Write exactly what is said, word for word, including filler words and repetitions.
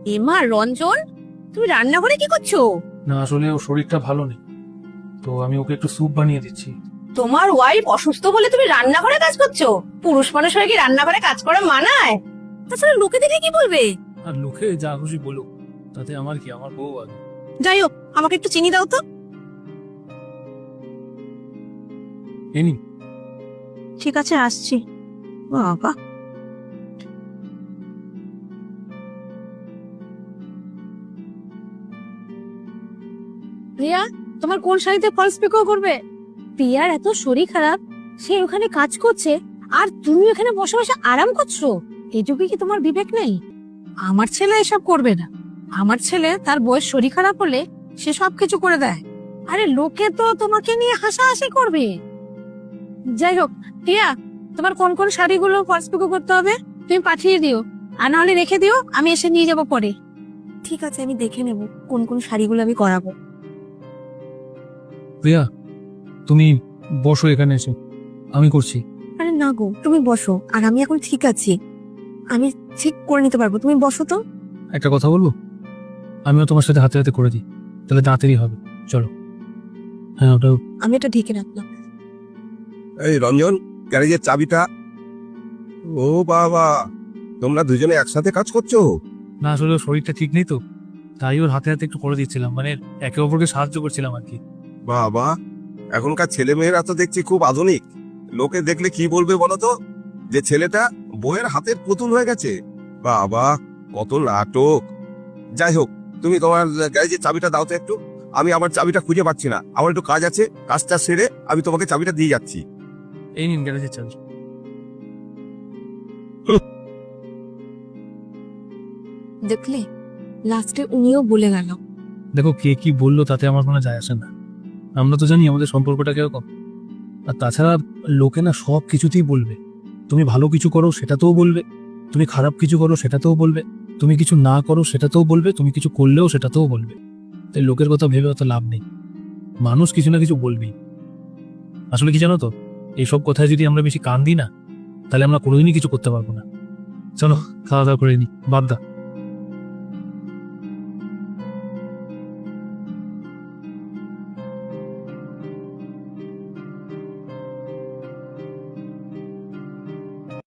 এমা রঞ্জন, তুমি রান্নাঘরে কি করছো? না আসলে ওর শরীরটা ভালো নেই, তো আমি ওকে একটু স্যুপ বানিয়ে দিচ্ছি। তোমার ওয়াইফ অসুস্থ বলে তুমি রান্নাঘরে কাজ করছো? পুরুষ মানুষ হয়ে কি রান্নাঘরে কাজ করা মানায়? তাছাড়া লোকে দেখে কি বলবে? আর লোকে যা খুশি বলুক, তাতে আমার কি, আমার বউ আগে। যাই হোক, আমাকে একটু চিনি দাও তো। এনি ঠিক আছে, আসছি। বাবা, প্রিয়া, তোমার কোন শাড়িতে ফলস পিকো করবে? প্রিয়ার এত শরীর খারাপ, সে ওখানে কাজ করছে আর তুমি ওখানে বসে বসে আরাম করছো। এইটুকু কি তোমার বিবেক নেই? আমার ছেলে এসব করবে না। আমার ছেলে তার বয়স শরীর খারাপ হলে সে সবকিছু করে দেয়। আরে লোকে তো তোমাকে নিয়ে হাসাহাসি করবে। যাই হোক প্রিয়া, তোমার কোন কোন শাড়িগুলো ফলস পিকো করতে হবে তুমি পাঠিয়ে দিও, আর নাহলে রেখে দিও, আমি এসে নিয়ে যাবো পরে। ঠিক আছে, আমি দেখে নেব কোন কোন শাড়িগুলো আমি করাবো। প্রিয়া, তুমি বসো এখানে এসে, আমি করছি। আরে না গো, তুমি বসো, আর আমি এখন ঠিক আছি, আমি ঠিক করে নিতে পারবো, তুমি বসো তো। একটা কথা বলবো, আমিও তোমার সাথে হাতে হাতে করে দিই, তাহলে দাঁতেরই হবে। চলো। হ্যাঁ, ওটা আমি এটা ঢেকে রাখলাম। এই রঞ্জন, গ্যারেজের চাবিটা। ও বাবা, তোমরা দুজনে একসাথে কাজ করছো? না আসলে ওর শরীরটা ঠিক নেই তো, তাই ওর হাতে হাতে একটু করে দিচ্ছিলাম, মানে একে অপরকে সাহায্য করছিলাম আর কি। বাবা, এখনকার ছেলে মেয়েরা তো দেখছি খুব আধুনিক। লোকে দেখলে কি বলবে বলো তো, যে ছেলেটা বইয়ের হাতের পুতুল হয়ে গেছে। বাবা, কত নাটক। যাই হোক, তুমি তোমার গ্যারেজের চাবিটা দাও তো একটু। আমি আমার চাবিটা খুঁজে পাচ্ছি না, আমার একটু কাজ আছে, কাজটা সেরে আমি তোমাকে চাবিটা দিয়ে যাচ্ছি। এই নিন গ্যারেজের চাবি। দেখলে, লাস্টে উনিও বলে গেল। দেখো, কে কি বললো তাতে আমার কোনো যায় আসে না, আমরা তো জানি আমাদের সম্পর্কটা কিরকম। আর তাছাড়া লোকে না সব কিছুতেই বলবে। তুমি ভালো কিছু করো সেটাতেও বলবে, তুমি খারাপ কিছু করো সেটাতেও বলবে, তুমি কিছু না করো সেটাতেও বলবে, তুমি কিছু করলেও সেটাতেও বলবে। তাই লোকের কথা ভেবে অত লাভ নেই, মানুষ কিছু না কিছু বলবেই। আসলে কি জানো তো, এইসব কথায় যদি আমরা বেশি কান দিই না, তাহলে আমরা কোনোদিনই কিছু করতে পারবো না। চলো খাওয়া দাওয়া করে নি, বাদ দা।